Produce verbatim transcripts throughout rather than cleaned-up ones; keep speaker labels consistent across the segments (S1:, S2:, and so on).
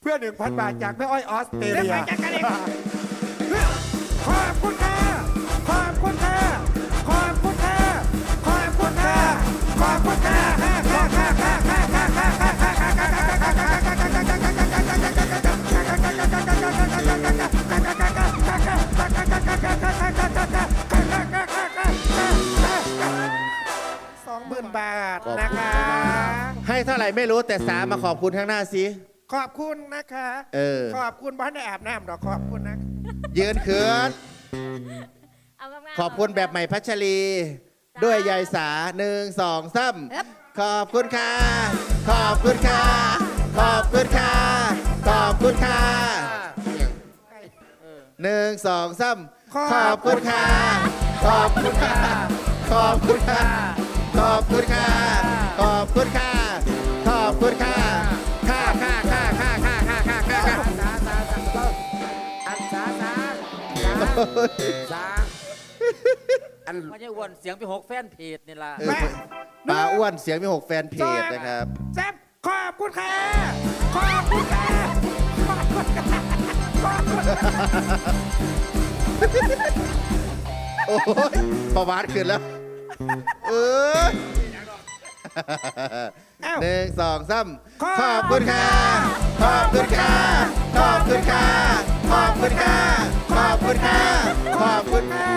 S1: พื่อหนึ่งพันบาทจากแม่อ้อยออสเตร
S2: เดี๋ยว
S1: เลีย
S2: ไปจัดการเอง
S1: ขอบคุณค่ะขอบคุณค่ะขอบคุณค่ะขอบคุณค่ะขอบคุณค่ะสองหมื่นบาทนะคะ
S3: ให้เท่าไหร่ไม่รู้แต่สามมาขอบคุณข้างหน้าสิ
S1: ขอบคุณนะคะ
S3: เออ
S1: ขอบคุณบ้านได้อาบน้ำดอกขอบคุณนะ
S3: ยืนเขิน
S4: เอางามๆ
S3: ขอบคุณแบบใหม่พัชรี ด้วยยายสาหนึ่งสองสามขอบคุณค่ะ ขอบคุณค่ะ ขอบคุณค่ะ ขอบคุณค่ะหนึ่งสองสามขอบคุณค่ะ ขอบคุณค่ะ ขอบคุณค่ะ ขอบคุณค่ะ ขอบคุณค่ะ ขอบคุณค่ะค่ะค่ะค่ะค่ะค่ะค่ะค่ะค่ะค่ะ
S2: อันสาสาสาอัน
S5: ไม่ใช่อ้วนเสียงไปหกแฟนเพจนี่ล่ะ
S3: เออปลาอ้วนเสียงมีหกแฟนเพจนะครับ
S1: แซ่บขอบคุณค่ะขอบคุณค่ะขอบคุณค่ะขอบคุณค่ะ
S3: โอ้ยประวัติขึ้นแล้ว เออหนึ่งสองสามขอบคุณค่ะ ขอบคุณค่ะ ขอบคุณค่ะ ขอบคุณค่ะ ขอบคุณค่ะ ขอบคุณค่ะ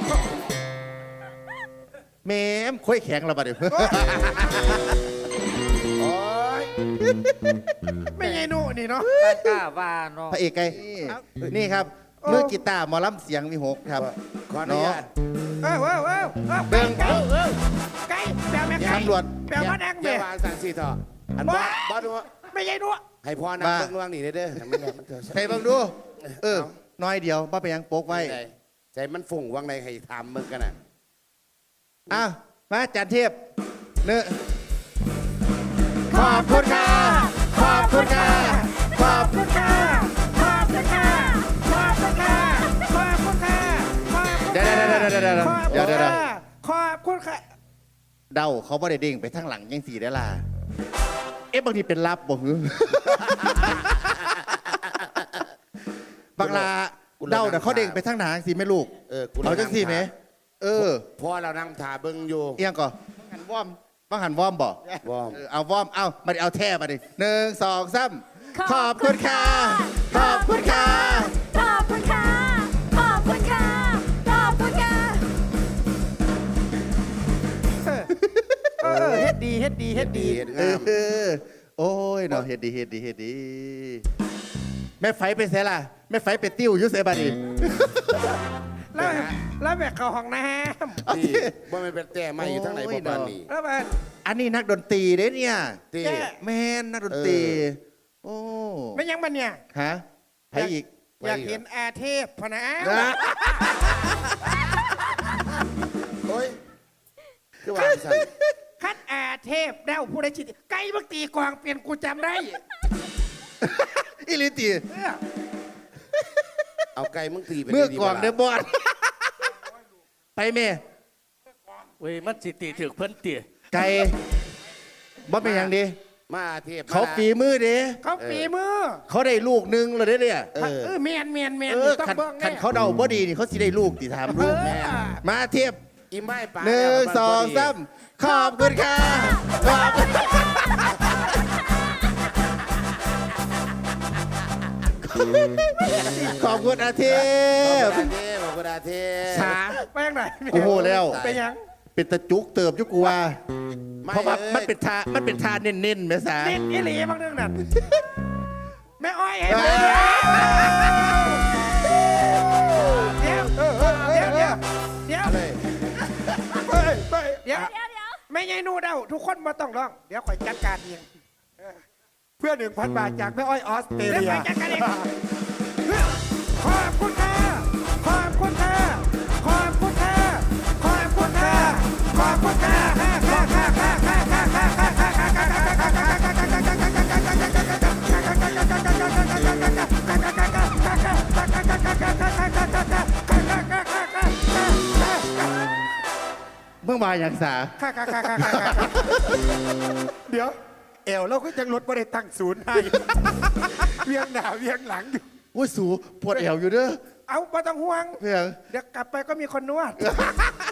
S3: เมมคุยแข็งเราบัดเดี๋ยว
S1: โอ้ยไม่ใช่หนูนี่เนาะ
S5: กล้าว่าเนาะ
S3: พระเอกไงนี่ครับมือกีตาร์หมอลำเสียงมีหกครับ
S2: ขออนุญาต
S1: เออเออเออเออ
S3: เบิ่ง
S1: ไก่ไก่แปลแม่ไก่
S3: ตำรวจ
S1: แปลมาแดง
S2: อ
S1: เมี
S2: ย่าย วางสันสีต่ออันบอสบอสดู
S1: ไม่ใช่หนู
S2: ให้พ่อนั่งเบิ่งว่างนี่เด้อให้มันแหลมมันเถอะ
S3: ใครบ้างดู เออ น้อยเดียวป้าไปยังโป๊กไว้
S2: ใจมันฝุ่งว่างในให้ทำมึงกันน่ะ
S3: อ้าวมาจันเทียบเนื้อขอบคุณค่ะ ขอบคุณค่ะ ขอบคุณค่ะ
S1: ขอบคุณค่ะขอบคุณค่ะขอบคุณค่ะขอบคุณค่ะ
S3: เดี๋ยวเดี๋ยวเดี๋ยวเดี๋ยวเดี๋ยวเดี๋ยวเดี๋ยว
S1: ขอบคุณค่ะ
S3: เดาเขาไม่ได้เด้งไปทางหลังยังสี่ได้ล่ะเอ๊ะบางทีเป็นลับบ่หือ บางลาเดาแต่เขาเด้งไปทางหนังสิไม่ลูก
S2: เออกู
S3: เอาจังสี่ไหมเออ
S2: พ่อเรานั่งถ่าเบิ่งอยู่
S3: เอียงก่อนบังหันวอมบังหันวอมบ่
S2: วอม
S3: เออเอาวอมเอามาดิเอาแท่มาดิหนึ่งสองสามขอบคุณค่ะ ขอบคุณค่ะ
S4: ขอบคุณค่ะ ขอบคุณค่ะ ขอบคุณค่ะ
S1: เออเออเฮ็ดดีเฮ็ดดีเฮ็ดดี
S2: เห็น
S3: เอง
S2: าม
S3: อโอ้ยเนาะเฮ็ดดีเฮ็ดดีเฮ็ดดี แม่ไฟไปเสียล่ะแม่ไฟไปติ้วอยุ่เสียบัดนี้
S1: แล้วแล้วแบบเข้าห้องน้
S2: ที่ว่ามันเป็นแต่ไม่อยู่ทั้งไหนบ่ปานนี้
S1: ำแล้วแบบ
S3: อันนี้นักดนตรีเด้เนี่ย
S2: ที่
S3: แม่นนักดนตรี โอ้
S1: ไม่ยังมันเนี่ย
S3: ฮะใครอีก
S1: อยากเห็นอาเทพพะนะ
S3: นะ
S2: โอ้ยคือว่าสั่น
S1: คัดอาเทพเด้าผู้ใดชิดไก่บักตีกวางเปลี่ยนกูจำได้
S3: อิลิตี
S1: เออ
S2: เอาไก่มึงตีไป
S3: เมื่อกล่องเดบอลไปเม
S5: เว้ยมันสิตีถึกเพิ่นเตี๋ย
S3: ไก่บ่เป็นอย่างดี
S2: มาเทพ
S3: เขาฝีมือเด้
S1: เขาฝีมือ
S3: เขาได้ลูกหนึงเลยเด้เนี่ย
S2: เออ
S1: เออเมียนเมียนเมียน
S3: เออ
S1: ต้อง
S3: ขัน
S1: เบิ้ง
S3: ขัน
S1: แน่
S3: เขาเดาบ่ดีนี่เขาสิได้ลูกติถาม
S1: เอ
S3: ลูก
S1: อ
S3: มาเทียบ
S2: อีไม้ป่า
S3: หนึ่งสองสามขอบคุณค่ะขอบคุณขอบคุณอาเท
S2: เท
S3: พ
S2: พเทพบอกกระดาเทพ
S3: ช้า
S1: ไปยังไง
S3: โอ้โหแล้ว
S1: ไปยัง
S3: เป็นตะจุกเติบอยุกูว่า
S2: ไม่
S3: เพราะว่า
S2: อ้ย
S3: มันเป็นทามันเป็นทาเน้นๆแม่สา
S1: เด็ดอีหลีบางเรื่องนั่นแม่อ้อยเห็น
S3: เอ
S1: ไหม
S3: อ
S1: เดี๋ยวเดี๋ยวเดี๋ยวเดี๋ยว
S2: เลย
S1: เฮ้ยเฮ้ยเดี๋ยว
S4: เดี๋ยวเดี๋ยว
S1: ไม่ใช่หนูเดาทุกคนมาต้องร้อง เดี๋ยวคอยจัดการเองเพื่อหนึ่งพันบาทจากแม่อ้อยออสเตรเดี๋ยวเลี
S2: Dạ.
S1: ย
S2: Dạ.
S1: คอยจัดการเองขอบคุณค่ะขอบคุณค่ะขอบคุณค่ะขอบคุณค่ะขอบคุณค่ะขอบคุณค่ะ
S3: เมื่อวานอย่างสา
S1: ค่ะค่ะค่ะค่ะเดี๋ยวเอวเราก็ยังลดไม่ได้ตั้งศูนย์ให้เวียงหน้าเวียงหลังอยู่
S3: โอ้ยสูปวดแอวอยู่เด้อ
S1: เอาไม่ต้องห่วง
S3: เพียง
S1: เดี๋ยวกลับไปก็มีคนนวด